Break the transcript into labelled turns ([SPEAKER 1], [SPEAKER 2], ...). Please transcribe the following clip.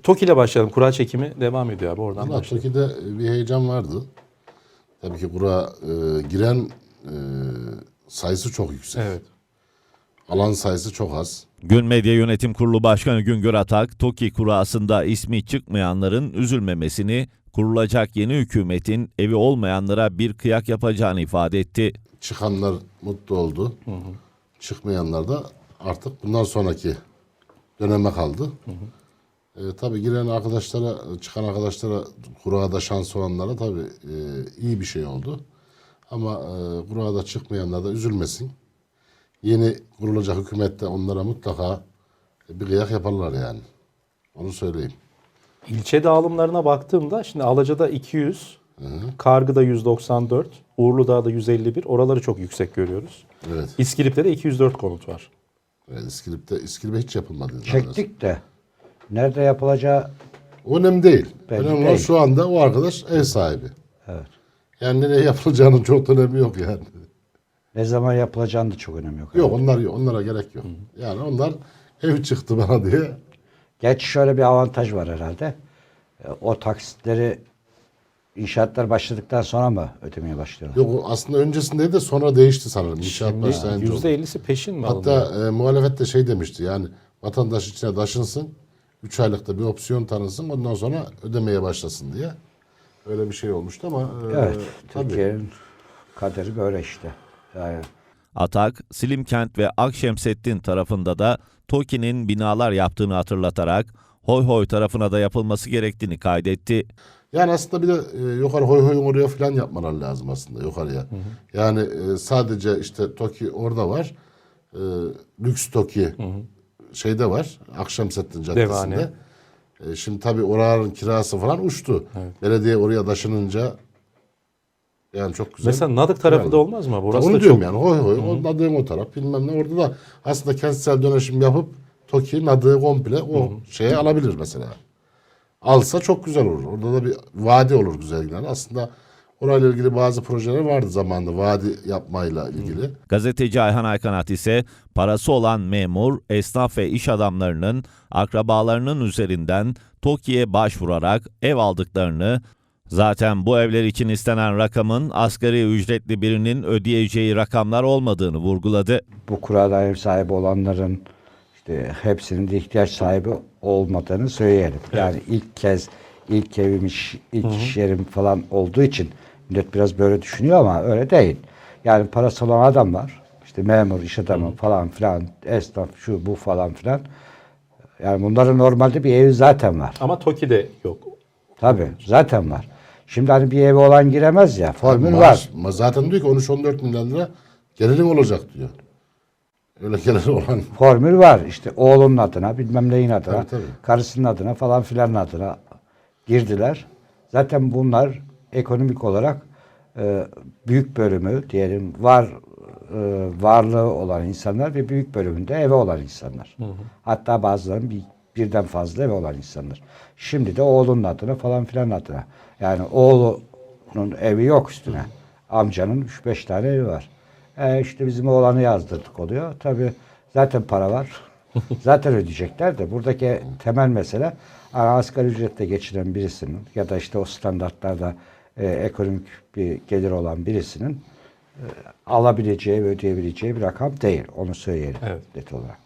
[SPEAKER 1] TOKİ ile başlayalım. Kura çekimi devam ediyor abi. Oradan
[SPEAKER 2] Valla
[SPEAKER 1] başlayalım.
[SPEAKER 2] TOKİ'de bir heyecan vardı. Tabii ki kura giren sayısı çok yüksek.
[SPEAKER 1] Evet.
[SPEAKER 2] Alan sayısı çok az.
[SPEAKER 3] Gün Medya Yönetim Kurulu Başkanı Güngör Atak, TOKİ kurasında ismi çıkmayanların üzülmemesini, kurulacak yeni hükümetin evi olmayanlara bir kıyak yapacağını ifade etti.
[SPEAKER 2] Çıkanlar mutlu oldu. Çıkmayanlar da artık bundan sonraki döneme kaldı. Tabii giren arkadaşlara, çıkan arkadaşlara, kurada şans olanlara tabii iyi bir şey oldu. Ama kurada çıkmayanlar da üzülmesin. Yeni kurulacak hükümette onlara mutlaka bir kıyak yaparlar yani. Onu söyleyeyim.
[SPEAKER 1] İlçe dağılımlarına baktığımda şimdi Alaca'da 200, Kargı'da 194, Uğurlu'da 151. Oraları çok yüksek görüyoruz.
[SPEAKER 2] Evet.
[SPEAKER 1] İskilip'te de 204 konut var.
[SPEAKER 2] Evet, İskilip'te hiç yapılmadı.
[SPEAKER 4] Çektik de. Nerede yapılacağı
[SPEAKER 2] O önemli değil.
[SPEAKER 4] Belli
[SPEAKER 2] Önemli olan
[SPEAKER 4] değil.
[SPEAKER 2] şu anda o arkadaş ev sahibi.
[SPEAKER 4] evet.
[SPEAKER 2] Yani nereye yapılacağının çok da önemi yok yani.
[SPEAKER 4] Ne zaman yapılacağını da çok önemi yok.
[SPEAKER 2] Yok onlara gerek yok. Yani onlar ev çıktı bana diye.
[SPEAKER 4] Gerçi şöyle bir avantaj var herhalde. O taksitleri inşaatlar başladıktan sonra mı ödemeye başlıyorlar?
[SPEAKER 2] Yok aslında öncesinde de sonra değişti sanırım. İnşaat başlayınca oldu.
[SPEAKER 1] %50'si peşin mi
[SPEAKER 2] Hatta
[SPEAKER 1] alınıyor?
[SPEAKER 2] muhalefet de şey demişti yani vatandaş içine taşınsın. 3 aylıkta bir opsiyon tanınsın. Ondan sonra ödemeye başlasın diye. Öyle bir şey olmuştu ama
[SPEAKER 4] Evet.
[SPEAKER 2] tabii.
[SPEAKER 4] Türkiye'nin kaderi böyle işte. Yani
[SPEAKER 3] Atak, Silimkent ve Akşemseddin tarafında da TOKİ'nin binalar yaptığını hatırlatarak Hoy Hoy tarafına da yapılması gerektiğini kaydetti.
[SPEAKER 2] Yani aslında bir de yukarı Hoy Hoy'un oraya falan yapmalar lazım aslında yukarıya. Yani sadece işte TOKİ orada var. Lüks TOKİ şeyde var. Akşemseddin Caddesi'nde.
[SPEAKER 1] Devane.
[SPEAKER 2] Şimdi tabii oranın kirası falan uçtu. Belediye oraya taşınınca yani çok güzel.
[SPEAKER 1] Mesela Nadık tarafı da olmaz mı? Burası
[SPEAKER 2] Onu
[SPEAKER 1] da
[SPEAKER 2] diyorum
[SPEAKER 1] çok...
[SPEAKER 2] yani Hoy Hoy. O Nadık'ın o taraf bilmem ne. Orada da aslında kentsel dönüşüm yapıp TOKİ Nadık'ı komple o şeye alabilir mesela. Alsa çok güzel olur. Orada da bir vadi olur güzel yani. Aslında orayla ilgili bazı projeler vardı zamanında vadi yapmayla ilgili.
[SPEAKER 3] Gazeteci Ayhan Aykanat ise parası olan memur, esnaf ve iş adamlarının akrabalarının üzerinden TOKİ'ye başvurarak ev aldıklarını, zaten bu evler için istenen rakamın asgari ücretli birinin ödeyeceği rakamlar olmadığını vurguladı.
[SPEAKER 4] bu kurada ev sahibi olanların işte hepsinin de ihtiyaç sahibi olmadığını söyleyelim. Yani ilk evim, ilk iş yerim falan olduğu için millet biraz böyle düşünüyor ama öyle değil. Yani parası olan adam var. İşte memur, iş adamı falan filan, esnaf şu bu falan filan. Yani bunların normalde bir evi zaten var.
[SPEAKER 1] Ama TOKİ'de yok.
[SPEAKER 4] Tabii zaten var. Şimdi hani bir evi olan giremez ya. Formül var.
[SPEAKER 2] Zaten diyor ki 13-14 milyon lira gelirim olacak diyor. Öyle geliri olan.
[SPEAKER 4] Formül var. İşte oğlunun adına, bilmem neyin adına,
[SPEAKER 2] Tabii, tabii.
[SPEAKER 4] karısının adına falan filan adına girdiler. Zaten bunlar ekonomik olarak büyük bölümü diyelim varlığı olan insanlar ve büyük bölümünde evi olan insanlar. Hatta bazılarının birden fazla evi olan insanlar. Şimdi de oğlunun adına falan filan adına. Yani oğlunun evi yok üstüne. Amcanın 3-5 tane evi var. İşte bizim oğlanı yazdırdık oluyor. Tabii zaten para var. Zaten ödeyecekler de buradaki temel mesele asgari ücretle geçinen birisinin ya da işte o standartlarda ekonomik bir gelir olan birisinin alabileceği ve ödeyebileceği bir rakam değil. Onu söyleyelim
[SPEAKER 1] Evet.
[SPEAKER 4] net olarak.